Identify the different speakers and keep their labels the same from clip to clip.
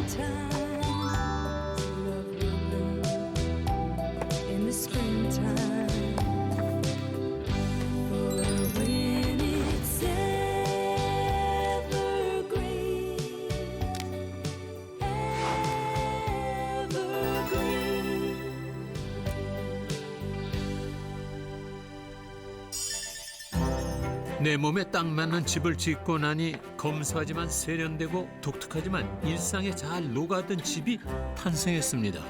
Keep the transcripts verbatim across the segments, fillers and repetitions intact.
Speaker 1: 내 몸에 딱 맞는 집을 짓고 나니 검소하지만 세련되고 독특하지만 일상에 잘 녹아든 집이 탄생했습니다.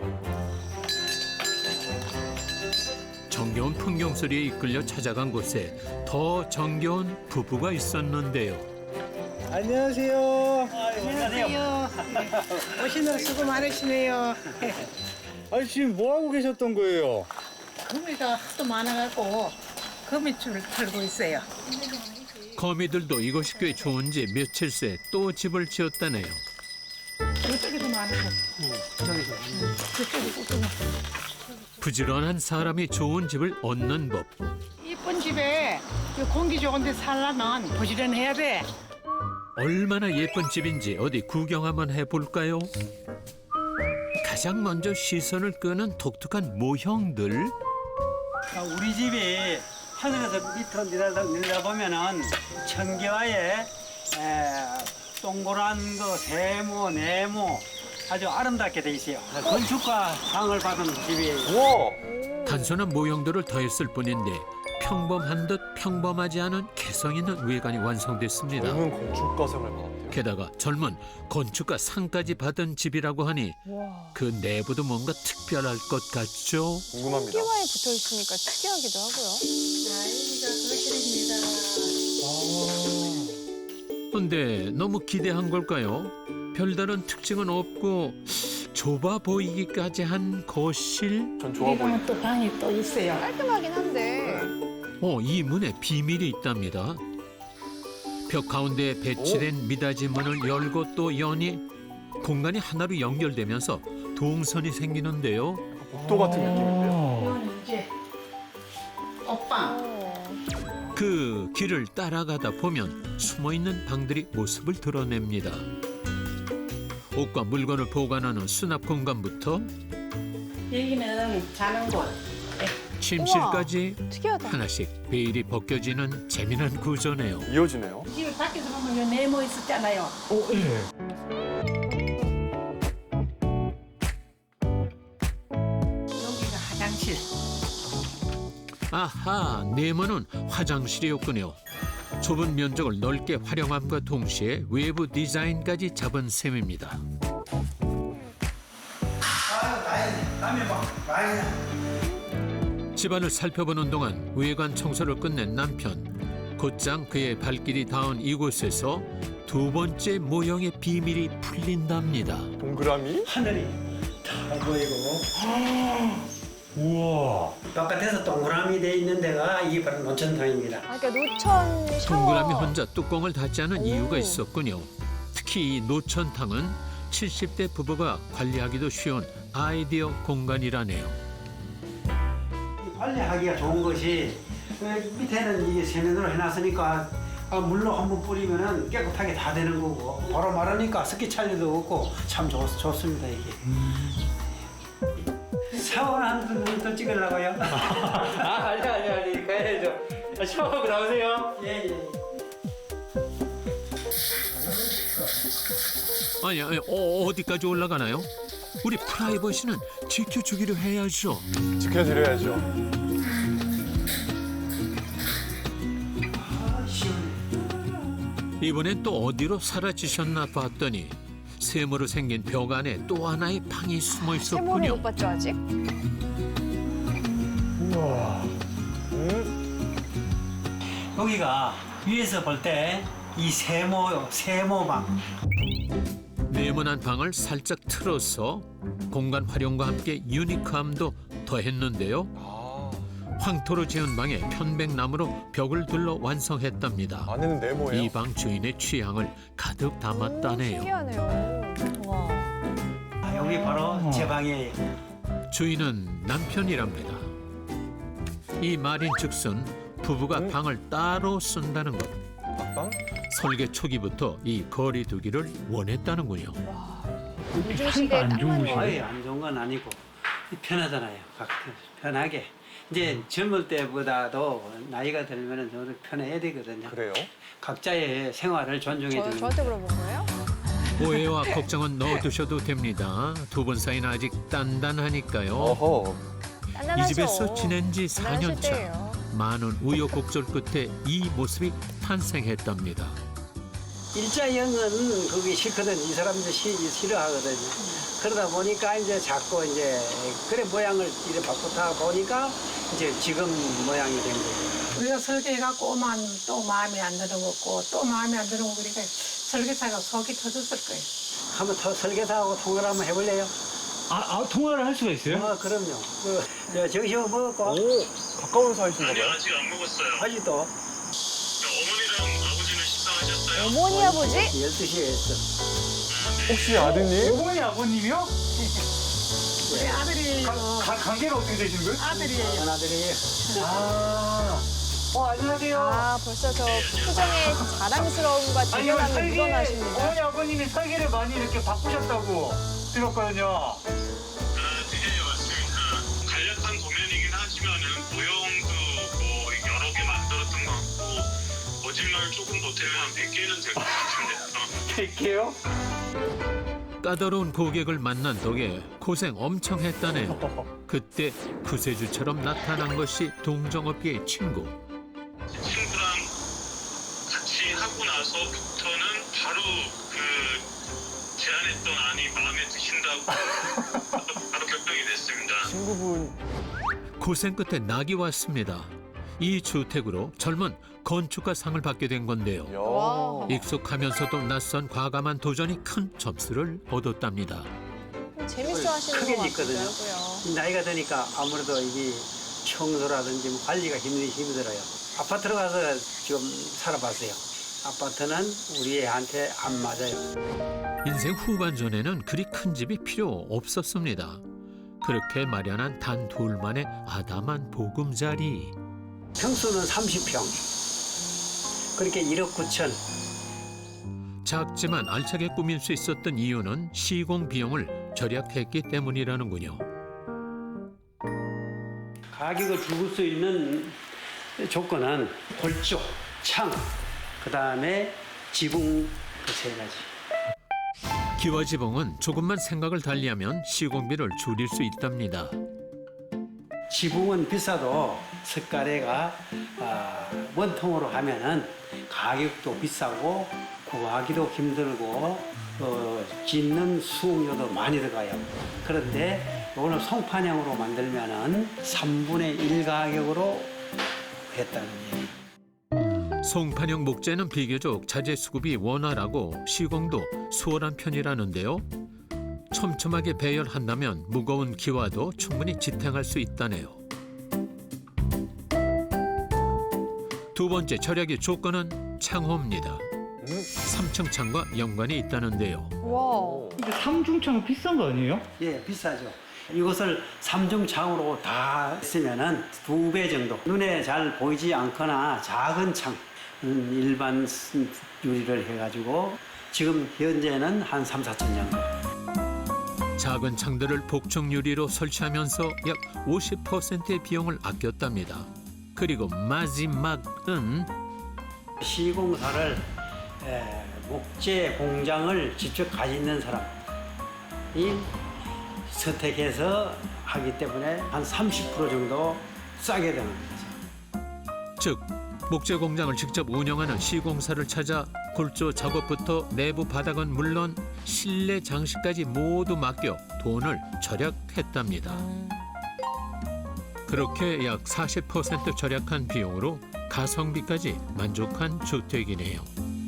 Speaker 1: 정겨운 풍경 소리에 이끌려 찾아간 곳에 더 정겨운 부부가 있었는데요.
Speaker 2: 안녕하세요.
Speaker 3: 안녕하세요. 오시느라 수고 많으시네요.
Speaker 2: 아니 지금 뭐 하고 계셨던 거예요?
Speaker 3: 거미가 하도 많아갖고 거미줄을 털고 있어요.
Speaker 1: 거미들도 이곳이 꽤 좋은지 며칠 새 또 집을 지었다네요.
Speaker 3: 저쪽에도 많고. 저기도. 저쪽에도 또.
Speaker 1: 부지런한 사람이 좋은 집을 얻는 법.
Speaker 3: 이쁜 집에 공기 좋은데 살려면 부지런해야 돼.
Speaker 1: 얼마나 예쁜 집인지 어디 구경 한번 해볼까요? 가장 먼저 시선을 끄는 독특한 모형들.
Speaker 4: 우리 집이 하늘에서 밑으로 내려다, 내려다보면은 청계와의 에, 동그란 그 세모, 네모 아주 아름답게 돼 있어요. 건축가 상을 받은 집이에요.
Speaker 2: 우와.
Speaker 1: 단순한 모형들을 더했을 뿐인데 평범한 듯 평범하지 않은 개성 있는 외관이 완성됐습니다.
Speaker 5: 젊은 건축가상을 받았대요.
Speaker 1: 게다가 젊은 건축가 상까지 받은 집이라고 하니 그 내부도 뭔가 특별할 것 같죠?
Speaker 5: 궁금합니다.
Speaker 6: 끼와에 붙어 있으니까 특이하기도 하고요.
Speaker 1: 근데 너무 기대한 걸까요? 별다른 특징은 없고 좁아 보이기까지 한 거실?
Speaker 5: 전 좋아 보여요.
Speaker 3: 이거는 또 방이 또 있어요.
Speaker 6: 깔끔하긴 한데
Speaker 1: 어, 이 문에 비밀이 있답니다. 벽 가운데에 배치된 미닫이 문을 열고 또 여니 공간이 하나로 연결되면서 동선이 생기는데요.
Speaker 5: 복도 같은 느낌인데요.
Speaker 3: 이거는 이제 옷방.
Speaker 6: 어,
Speaker 1: 그 길을 따라가다 보면 숨어있는 방들이 모습을 드러냅니다. 옷과 물건을 보관하는 수납 공간부터
Speaker 3: 여기는 자는 곳.
Speaker 1: 침실까지
Speaker 6: 특이하다.
Speaker 1: 하나씩 베일이 벗겨지는 재미난 구조네요.
Speaker 5: 이어지네요.
Speaker 3: 집을 밖에서 보면 요 네모 있었잖아요.
Speaker 5: 오, 예.
Speaker 3: 여기가 화장실.
Speaker 1: 아하, 네모는 화장실이었군요. 좁은 면적을 넓게 활용함과 동시에 외부 디자인까지 잡은 셈입니다. 집안을 살펴보는 동안 외관 청소를 끝낸 남편. 곧장 그의 발길이 닿은 이곳에서 두 번째 모형의 비밀이 풀린답니다.
Speaker 5: 동그라미?
Speaker 4: 하늘이 다 보이고
Speaker 5: 우와.
Speaker 4: 바깥에서 동그라미 돼 있는 데가 이게 바로 노천탕입니다.
Speaker 6: 아, 그러니까 노천 샤워.
Speaker 1: 동그라미 혼자 뚜껑을 닫지 않은 이유가 있었군요. 특히 이 노천탕은 칠십 대 부부가 관리하기도 쉬운 아이디어 공간이라네요.
Speaker 4: 관리하기가 좋은 것이 그 밑에는 이게 세면으로 해놨으니까 아, 물로 한번 뿌리면은 깨끗하게 다 되는 거고 바로 마르니까 습기 찰리도 없고 참 좋, 좋습니다 이게. 샤워를 한번 찍으려고요?
Speaker 2: 아 아니 아니 아니 가야죠. 아, 샤워하고 나오세요.
Speaker 4: 예, 예.
Speaker 1: 아니, 아니 어, 어디까지 올라가나요? 우리 프라이버시는 지켜주기로 해야죠.
Speaker 5: 지켜드려야죠.
Speaker 4: 아, 시원해.
Speaker 1: 이번엔 또 어디로 사라지셨나 봤더니 세모로 생긴 벽 안에 또 하나의 방이 숨어
Speaker 6: 세모를
Speaker 1: 있었군요.
Speaker 6: 못 봤죠 아직?
Speaker 5: 우와. 음?
Speaker 4: 여기가 위에서 볼 때 이 세모 세모방.
Speaker 1: 네모난 방을 살짝 틀어서 공간 활용과 함께 유니크함도 더했는데요.
Speaker 5: 아,
Speaker 1: 황토로 지은 방에 편백나무로 벽을 둘러 완성했답니다.
Speaker 5: 안에는 네모예요.
Speaker 1: 이 방 주인의 취향을 가득 담았다네요.
Speaker 6: 신기하네요. 와.
Speaker 4: 아, 여기 바로 제 방이에요.
Speaker 1: 주인은 남편이랍니다. 이 말인즉슨 부부가
Speaker 5: 음.
Speaker 1: 방을 따로 쓴다는 것.
Speaker 5: 방?
Speaker 1: 설계 초기부터 이 거리두기를 원했다는군요.
Speaker 6: 요즘 시대에 딱 맞는.
Speaker 4: 아예 안 좋은 건 아니고 편하잖아요. 각 편하게. 이제 젊을 때보다도 나이가 들면은 좀 편해야 되거든요.
Speaker 5: 그래요?
Speaker 4: 각자의 생활을 존중해
Speaker 6: 저,
Speaker 4: 주는.
Speaker 6: 저한테 물어본 거예요?
Speaker 1: 오해와 걱정은 넣어두셔도 됩니다. 두 분 사이는 아직 단단하니까요.
Speaker 5: 어허.
Speaker 6: 단단하죠.
Speaker 1: 이 집에서 지낸 지 사 년
Speaker 6: 단단하실
Speaker 1: 차.
Speaker 6: 때예요.
Speaker 1: 많은 우여곡절 끝에 이 모습이 탄생했답니다.
Speaker 4: 일자형은 그게 싫거든. 이 사람들 시, 싫어하거든요. 그러다 보니까 이제 자꾸 이제 그래 모양을 이렇게 바꾸다 보니까 이제 지금 모양이 된 거예요.
Speaker 3: 우리가 설계해갖고 오면 또 마음에 안 드는 거고 또 마음에 안 드는 거 그러니까 설계사가 속이 터졌을 거예요.
Speaker 4: 한번 더 설계사하고 통화를 한번 해볼래요?
Speaker 2: 아, 아 통화를 할 수가 있어요?
Speaker 4: 아, 그럼요. 그, 저, 정시호 먹었고,
Speaker 5: 오, 가까운 사이신가 봐요.
Speaker 7: 아직 안 먹었어요.
Speaker 4: 아직도
Speaker 7: 어머니랑 아버지는 식사하셨어요?
Speaker 6: 어머니 아버지?
Speaker 4: 열두 시에 했어.
Speaker 5: 혹시 아드님?
Speaker 2: 어머니 아버님이요?
Speaker 3: 우리 아들이
Speaker 2: 가, 관계가 어떻게 되시는 거예요?
Speaker 3: 아들이에요.
Speaker 4: 전화드려요.
Speaker 2: 아, 어 안녕하세요.
Speaker 6: 아 벌써 저 표정에 자랑스러움과
Speaker 2: 아니 이거
Speaker 6: 대견함이
Speaker 2: 설계
Speaker 6: 묻어나십니다.
Speaker 2: 어머니 아버님이 설계를 많이 이렇게 바꾸셨다고 들었거든요.
Speaker 7: 아, 네, 맞습니다. 간략한 도면이긴 하지만은 모형도 뭐 여러 개 만들었던 것 같고 거짓말 조금 보태면 한 백 개는 될 것 같은데. 어.
Speaker 2: 뵐게요.
Speaker 1: 까다로운 고객을 만난 덕에 고생 엄청 했다네요. 그때 구세주처럼 나타난 것이 동정업계의 친구.
Speaker 7: 친구랑 같이 하고 나서부터는 바로 그 제안했던 안이 마음에 드신다고 바로 결정이 됐습니다.
Speaker 5: 친구분.
Speaker 1: 고생 끝에 낙이 왔습니다. 이 주택으로 젊은 건축가 상을 받게 된 건데요.
Speaker 6: 와.
Speaker 1: 익숙하면서도 낯선 과감한 도전이 큰 점수를 얻었답니다.
Speaker 6: 재밌어 하시는
Speaker 4: 크게
Speaker 6: 것
Speaker 4: 짓거든요.
Speaker 6: 같기도 하고요.
Speaker 4: 나이가 드니까 아무래도 이게 청소라든지 뭐 관리가 힘들, 힘들어요. 아파트로 가서 지금 살아봤어요. 아파트는 우리 애한테 안 맞아요.
Speaker 1: 인생 후반전에는 그리 큰 집이 필요 없었습니다. 그렇게 마련한 단 둘만의 아담한 보금자리.
Speaker 4: 평수는 삼십 평. 그렇게 일억 구천.
Speaker 1: 작지만 알차게 꾸밀 수 있었던 이유는 시공 비용을 절약했기 때문이라는군요.
Speaker 4: 가격을 죽을 수 있는 조건은 골조, 창, 그 다음에 지붕 그 세 가지.
Speaker 1: 기와 지붕은 조금만 생각을 달리하면 시공비를 줄일 수 있답니다.
Speaker 4: 지붕은 비싸도 석가래가 아, 원통으로 하면은 가격도 비싸고 구하기도 힘들고 어, 짓는 수용료도 많이 들어가요. 그런데 이거는 송판형으로 만들면은 삼분의 일 가격으로 했다는 얘기.
Speaker 1: 송판형 목재는 비교적 자재 수급이 원활하고 시공도 수월한 편이라는데요. 촘촘하게 배열한다면 무거운 기와도 충분히 지탱할 수 있다네요. 두 번째 절약의 조건은 창호입니다. 삼 층 창과 연관이 있다는데요.
Speaker 6: 와.
Speaker 2: 근데 삼중창은 비싼 거 아니에요?
Speaker 4: 예, 비싸죠. 이것을 삼중창으로 다 쓰면은 두 배 정도. 눈에 잘 보이지 않거나 작은 창, 음, 일반 유리를 해가지고 지금 현재는 한 삼, 사천 정도.
Speaker 1: 작은 창들을 복층 유리로 설치하면서 약 오십 퍼센트의 비용을 아꼈답니다. 그리고 마지막은
Speaker 4: 시공사를 에, 목재 공장을 직접 가지는 사람이 선택해서 하기 때문에 한 삼십 퍼센트 정도 싸게 되는 거죠.
Speaker 1: 즉 목재 공장을 직접 운영하는 시공사를 찾아 골조 작업부터 내부 바닥은 물론 실내 장식까지 모두 맡겨 돈을 절약했답니다. 그렇게 약 사십 퍼센트 절약한 비용으로 가성비까지 만족한 주택이네요.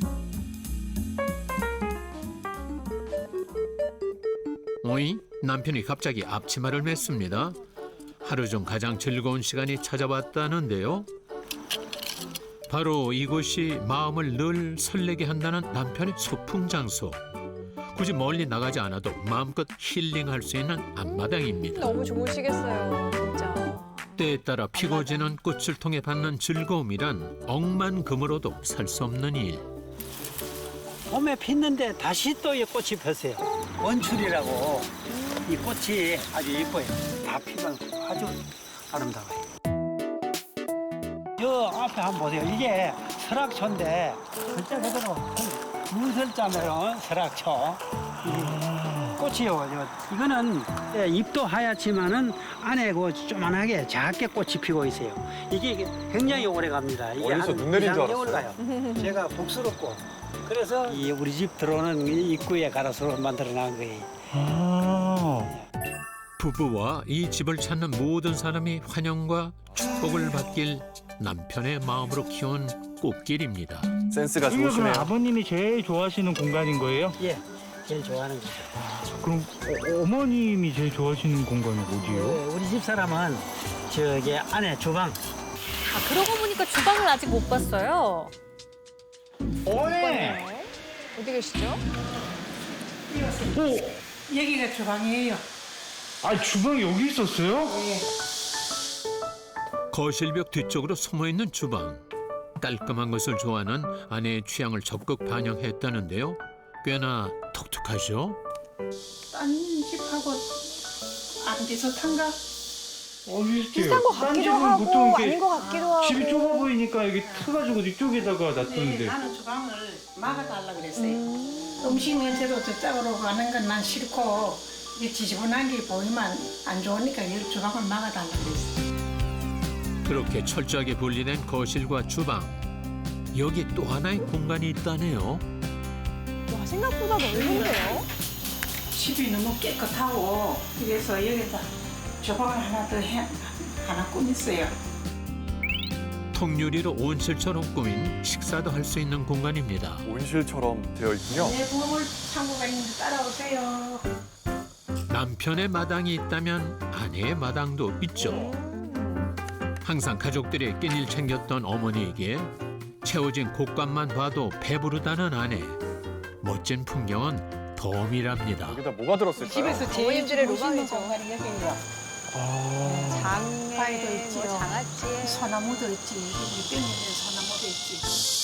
Speaker 1: 오이 남편이 갑자기 앞치마를 맸습니다. 하루 중 가장 즐거운 시간이 찾아왔다는데요. 바로 이곳이 마음을 늘 설레게 한다는 남편의 소풍 장소. 굳이 멀리 나가지 않아도 마음껏 힐링할 수 있는 앞마당입니다.
Speaker 6: 너무 좋으시겠어요, 진짜.
Speaker 1: 때에 따라 피고 지는 꽃을 통해 받는 즐거움이란 억만금으로도 살 수 없는 일.
Speaker 4: 봄에 피는데 다시 또 이 꽃이 폈어요. 원출이라고 이 꽃이 아주 예뻐요. 다 피면 아주 아름다워요. 저 앞에 한번 보세요. 이게 설악초인데 글자 그대로 문설자면 설악초. 이 꽃이요. 저 이거는 예, 잎도 하얗지만은 안에 그 조만하게 작게 꽃이 피고 있어요. 이게 굉장히 오래 갑니다. 이게
Speaker 5: 어디서
Speaker 4: 한
Speaker 5: 눈 내린 줄
Speaker 4: 이 개월 가요. 제가 복스럽고 그래서 이 우리 집 들어오는 이 입구에 가로수로 만들어 놓은 거예요.
Speaker 1: 부부와 이 집을 찾는 모든 사람이 환영과 축복을 받길 남편의 마음으로 키운 꽃길입니다.
Speaker 5: 센스가
Speaker 8: 이거 그럼
Speaker 5: 좋으시네요.
Speaker 8: 아버님이 제일 좋아하시는 공간인 거예요?
Speaker 4: 예, 제일 좋아하는 거죠.
Speaker 8: 그럼 어, 어머님이 제일 좋아하시는 공간이 어디예요?
Speaker 4: 네, 우리 집 사람은 저기 안에 주방.
Speaker 6: 아, 그러고 보니까 주방을 아직 못 봤어요.
Speaker 8: 어머니!
Speaker 6: 네. 어디 계시죠?
Speaker 3: 여기가 주방이에요.
Speaker 8: 아, 주방이 여기 있었어요?
Speaker 1: 거실벽 뒤쪽으로 숨어있는 주방. 깔끔한 것을 좋아하는 아내의 취향을 적극 반영했다는데요. 꽤나 독특하죠?
Speaker 3: 딴 집하고 안 비슷한가?
Speaker 8: 어, 비슷해요.
Speaker 6: 비슷한 것
Speaker 8: 딴
Speaker 6: 같기도
Speaker 8: 집은
Speaker 6: 하고
Speaker 8: 보통 이렇게
Speaker 6: 아닌 것 같기도 하고.
Speaker 8: 집이 좁아 보이니까 이게 트가지고 이쪽에다가
Speaker 3: 네,
Speaker 8: 놔두는데.
Speaker 3: 나는 주방을 막아달라 그랬어요.
Speaker 6: 음.
Speaker 3: 음식 냄새도 저쪽으로 가는 건 난 싫고 이게 지저분한 게 보이면 안 좋으니까 이 주방을 막아달라 그랬어요.
Speaker 1: 그렇게 철저하게 분리된 거실과 주방. 여기 또 하나의 공간이 있다네요.
Speaker 6: 와, 생각보다 넓은데요?
Speaker 3: 집이 너무 깨끗하고 그래서 여기다 주방을 하나 더 해, 하나 꾸몄어요.
Speaker 1: 통유리로 온실처럼 꾸민 식사도 할 수 있는 공간입니다.
Speaker 5: 온실처럼 되어 있군요.
Speaker 3: 내 보물 창고가 있는데 따라오세요.
Speaker 1: 남편의 마당이 있다면 아내의 마당도 있죠. 항상 가족들의 끼니를 챙겼던 어머니에게 채워진 곳간만 봐도 배부르다는 아내. 멋진 풍경은 덤이랍니다.
Speaker 5: 여기다 뭐가 들었을까요?
Speaker 3: 집에서 제일
Speaker 6: 어머님들의
Speaker 3: 멋있는
Speaker 6: 로망이죠.
Speaker 3: 공간이 여기예요.
Speaker 6: 장에,
Speaker 3: 바위도
Speaker 6: 뭐
Speaker 3: 있지요.
Speaker 6: 장아찌에.
Speaker 3: 소나무도 있지. 여기 땡기는 소나무도 있지.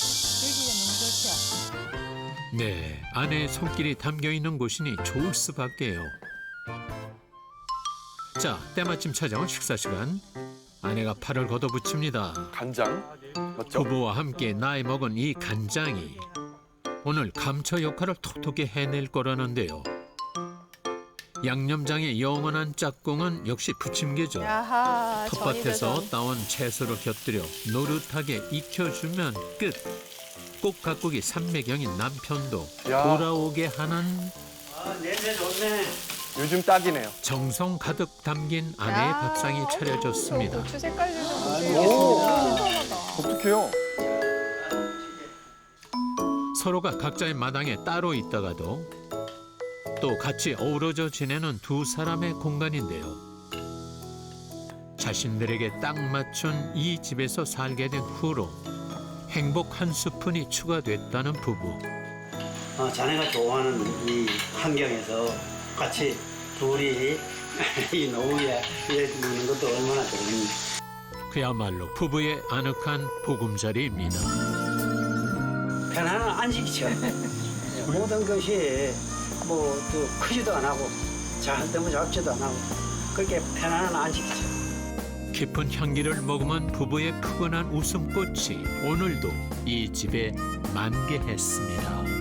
Speaker 3: 여기가 너무 좋죠.
Speaker 1: 네, 아내의 손길이 담겨 있는 곳이니 좋을 수밖에요. 자, 때마침 찾아온 식사 시간. 아내가 팔을 걷어붙입니다.
Speaker 5: 간장 맞죠?
Speaker 1: 부부와 함께 나이 먹은 이 간장이 오늘 감초 역할을 톡톡히 해낼 거라는데요. 양념장의 영원한 짝꿍은 역시 부침개죠.
Speaker 6: 야하,
Speaker 1: 텃밭에서
Speaker 6: 전이다,
Speaker 1: 따온 채소를 곁들여 노릇하게 익혀주면 끝. 꼭가꾸기 삼매경인 남편도
Speaker 5: 야.
Speaker 1: 돌아오게 하는
Speaker 4: 아, 냄새 좋네.
Speaker 5: 요즘 딱이네요.
Speaker 1: 정성 가득 담긴 아내의
Speaker 6: 야,
Speaker 1: 밥상이
Speaker 6: 어머,
Speaker 1: 차려졌습니다.
Speaker 6: 저 고추 색깔 좀
Speaker 5: 오.
Speaker 6: 보세요. 신선하다.
Speaker 5: 독특해요.
Speaker 1: 서로가 각자의 마당에 따로 있다가도 또 같이 어우러져 지내는 두 사람의 공간인데요. 자신들에게 딱 맞춘 이 집에서 살게 된 후로 행복 한 스푼이 추가됐다는 부부.
Speaker 4: 어, 자네가 좋아하는 이 환경에서 같이 둘이 이 노후에 일해주는 것도 얼마나 좋습니까?
Speaker 1: 그야말로 부부의 아늑한 보금자리입니다.
Speaker 4: 편안한 안식처. 모든 것이 뭐 또 크지도 안 하고 잘 너무 작지도 안 하고 그렇게 편안한 안식처.
Speaker 1: 깊은 향기를 머금은 부부의 푸근한 웃음꽃이 오늘도 이 집에 만개했습니다.